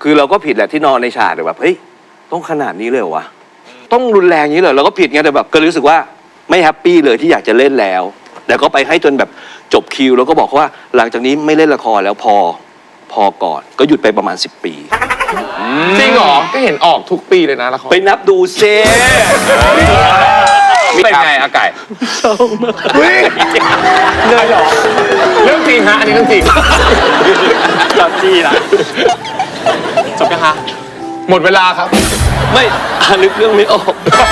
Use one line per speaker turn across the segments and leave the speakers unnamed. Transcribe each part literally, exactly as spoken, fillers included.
คือเราก็ผิดแหละที่นอนในฉากแต่แบบเฮ้ยต้องขนาดนี้เลยเหรอวะต้องรุนแรงนี้เลยเราก็ผิดไงแต่แบบก็รู้สึกว่าไม่แฮปปี้เลยที่อยากจะเล่นแล้วแต่ก็ไปให้จนแบบจบคิวแล้วก็บอกว่าหลังจากนี้ไม่เล่นละครแล้วพอพอก่อนก็หยุดไปประมาณสิบปี
จริงเหรอก็เห็นออกทุกปีเลยนะละคร
ไปนับดูเซ่
เป็นไงอาไก่เศร้ามากเลยเหรอเรื่องจริงฮะอันนี้เรื่องจริงจบจีนะจบยังฮะหมดเวลาครับ
ไม่นึกเรื่องไม่ออก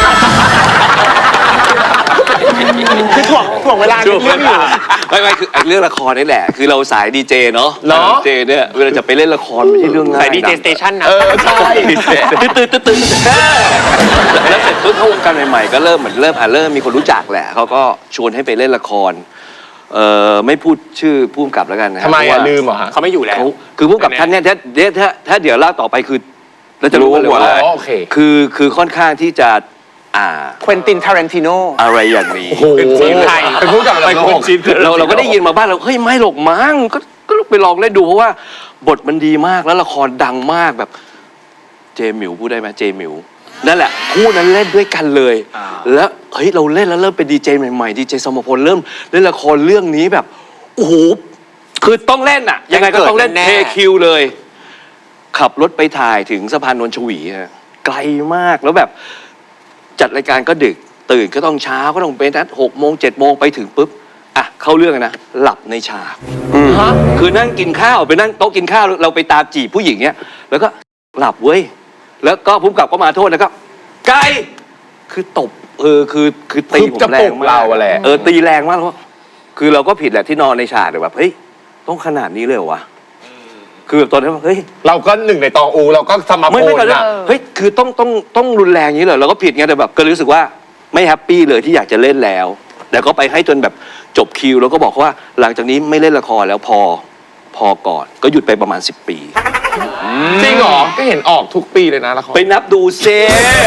คือถ่วงถ่วงเวลาเรื่องอยู่
ไม่ไม่คือเรื่องละครนี่แหละคือเราสายดีเจเนาะดีเจเนี่ยเวลาจะไปเล่นละครไม่ใช่เรื่องง่าย
สายดีเจสเตชันนะ
เออใช่
ตื่นตื่นตื่นตื่นแล้วเสร็จปุ๊บเข้าวงการใหม่ๆก็เริ่มเหมือนเริ่มอ่ะเริ่มมีคนรู้จักแหละเขาก็ชวนให้ไปเล่นละครเอ่อไม่พูดชื่อผู้กำกับแล้วกันนะ
ทำไมอ่ะลืมเหรอฮะ
เขาไม่อยู่แล้ว
คือผู้กำกับท่านเนี่ยถ้าถ้าถ้าเดี๋ยวเล่าต่อไปคือเราจะรู้กันเลยว่าคือคือค่อนข้างที่จะอ่า
ควินติน ทารันติโน
อะไรอย่างนี้
เป็นจีนไทยเป็นผู้กำกับ
เราเราก็ได้ยินมาบ้างเราเฮ้ยไม่หรอกมั้งก็ก็ไปลองเล่นดูเพราะว่าบทมันดีมากแล้วละครดังมากแบบเจมิวพูดได้ไหมเจมิวนั่นแหละคู่นั้นเล่นด้วยกันเลยแล้วเฮ้ยเราเล่นแล้วเริ่มเป็นดีเจใหม่ๆดีเจสมพลเริ่มเล่นละครเรื่องนี้แบบโอ้โหคือต้องเล่นอ่ะยังไงก็ต้องเล่นเทคิวเลยขับรถไปถ่ายถึงสะพานนนทวีไกลมากแล้วแบบจัดรายการก็ดึกตื่นก็ต้องเช้าก็ต้องเป็นนัดหกโมงเจ็ดโมงไปถึงปุ๊บอ่ะเข้าเรื่องนะหลับในฉากคือนั่งกินข้าวไปนั่งโต๊ะกินข้าวเราไปตามจีบผู้หญิงเนี้ยแล้วก็หลับเว้ยแล้วก็ผู้กำกับก็มาโทษแล้วก็ไกลคือตบเออคือคือตีผมแรงมาก
เราแหละ
เออตีแรงมากแล้วคือเราก็ผิดแหละที่นอนในฉากแต่แบบเฮ้ยต้องขนาดนี้เลยเหรอวะคือแบบตอนนั้นเฮ้ย
เราก็หนึ่งในตองอูเราก็สมาโพลนะ
เฮ้ยคือต้องต้องต้องรุนแรงนี้เลยเราก็ผิดไงแต่แบบก็รู้สึกว่าไม่แฮปปี้เลยที่อยากจะเล่นแล้วแต่ก็ไปให้จนแบบจบคิวแล้วก็บอกว่าหลังจากนี้ไม่เล่นละครแล้วพอพอก่อนก็หยุดไปประมาณสิบปี
จริงเหรอก็เห็นออกทุกปีเลยนะละคร
ไปนับดูเซ่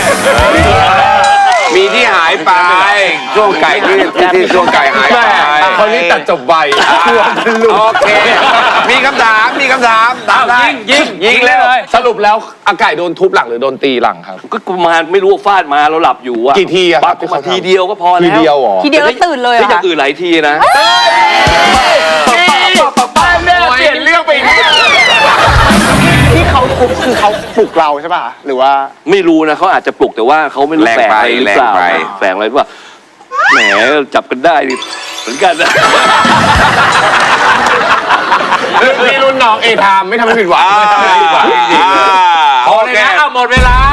มีที่หายไปช่วงไก่ที่ที่ช่วงไก่หายไป
คนนี้ตัดจบใบ
โอเคมีคำถามมีคำถามถามได้
ยิงยิงเลยสรุปแล้วอาไก่โดนทุบหลังหรือโดนตีหลังครับ
ก็ประมาณไม่รู้ฟาดมาเราหลับอยู่อะ
กี่ทีอะครับ
ทีเดียวก็พอแล้ว
ทีเดียวหรอ
ทีเดียวแล้วตื่นเลย
ไม่จะอื่นหลายทีนะ
เปลี่ยนเรื่องไปอีก
ที่เขาทุบคือเขาปลุกเราใช่ป่ะหรือว่า
ไม่รู้นะเขาอาจจะปลุกแต่ว่าเขาไม่รู้แฝงอะไรหรือเปล่าแฝงอะไรหรือเปล่าแหมจับกันได้เหมือนกันนะ
เรื่องนี้รุ่นน้องเอทามไม่ทำให้ผิดหวังไม่ทำให้ผิดหวัง
โอเคหมดเวลา